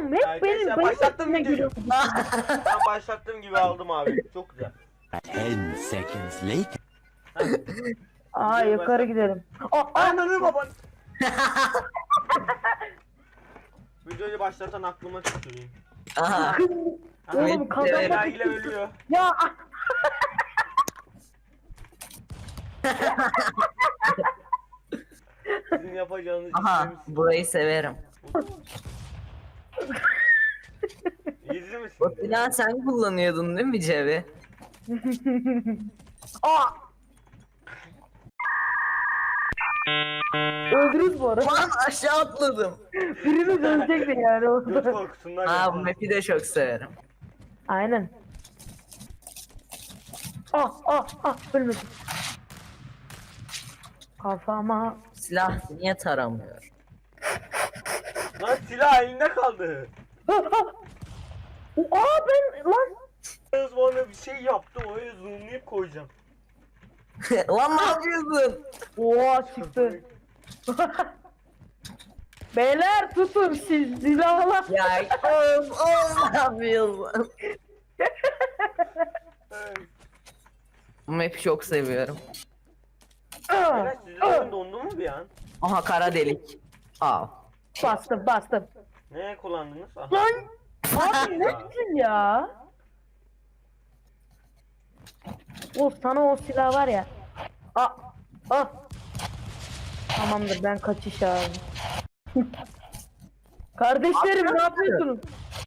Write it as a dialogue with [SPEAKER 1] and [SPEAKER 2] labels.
[SPEAKER 1] oğlum hep benim
[SPEAKER 2] başlattım
[SPEAKER 1] üstüne
[SPEAKER 2] videoyu.
[SPEAKER 1] geliyor.
[SPEAKER 2] Ben başlattığım gibi aldım abi. Çok güzel.
[SPEAKER 3] 10 seconds later.
[SPEAKER 1] Aa yukarı gidelim.
[SPEAKER 2] Ananı baban. Videoyu başlatan aklıma tüküreyim.
[SPEAKER 4] Aha.
[SPEAKER 1] Oğlum kazanmak
[SPEAKER 2] Vergiyle ölüyor.
[SPEAKER 1] ya.
[SPEAKER 2] Sizin yapacağınız
[SPEAKER 4] Aha.
[SPEAKER 2] işlemiş.
[SPEAKER 4] Burayı severim.
[SPEAKER 2] İzli
[SPEAKER 4] O
[SPEAKER 2] misin?
[SPEAKER 4] silahı sen kullanıyordun değil mi Cevi?
[SPEAKER 1] Aa. Öldürürüz bu arada.
[SPEAKER 4] Lan aşağı atladım.
[SPEAKER 1] Birimiz ölecekti yani
[SPEAKER 2] Göt
[SPEAKER 1] orada.
[SPEAKER 2] korkusundan
[SPEAKER 4] Aa bu
[SPEAKER 2] yapalım.
[SPEAKER 4] map'i de çok severim.
[SPEAKER 1] Aynen. Ölmedim. Kafama.
[SPEAKER 4] Silah niye taramıyor?
[SPEAKER 2] Lan silah elinde kaldı.
[SPEAKER 1] Ben lan.
[SPEAKER 2] Kız bana bir şey yaptı, öyle zoomlayıp koyacağım.
[SPEAKER 4] Lan ne yapıyorsun?
[SPEAKER 1] Oha çıktı. Beyler tutun siz silahla.
[SPEAKER 4] Ya oğlum ne yapıyorsun?
[SPEAKER 2] Evet.
[SPEAKER 4] Bu map'i çok seviyorum.
[SPEAKER 2] Beyler sizin oyun dondu mu bir an?
[SPEAKER 4] Aha kara delik. Al.
[SPEAKER 1] Bastım.
[SPEAKER 2] Neye kullandınız? Aha.
[SPEAKER 1] Lan. Abi nesin ya? Of sana o silah var ya. Tamamdır ben kaçış abi. Kardeşlerim ne yapıyorsunuz?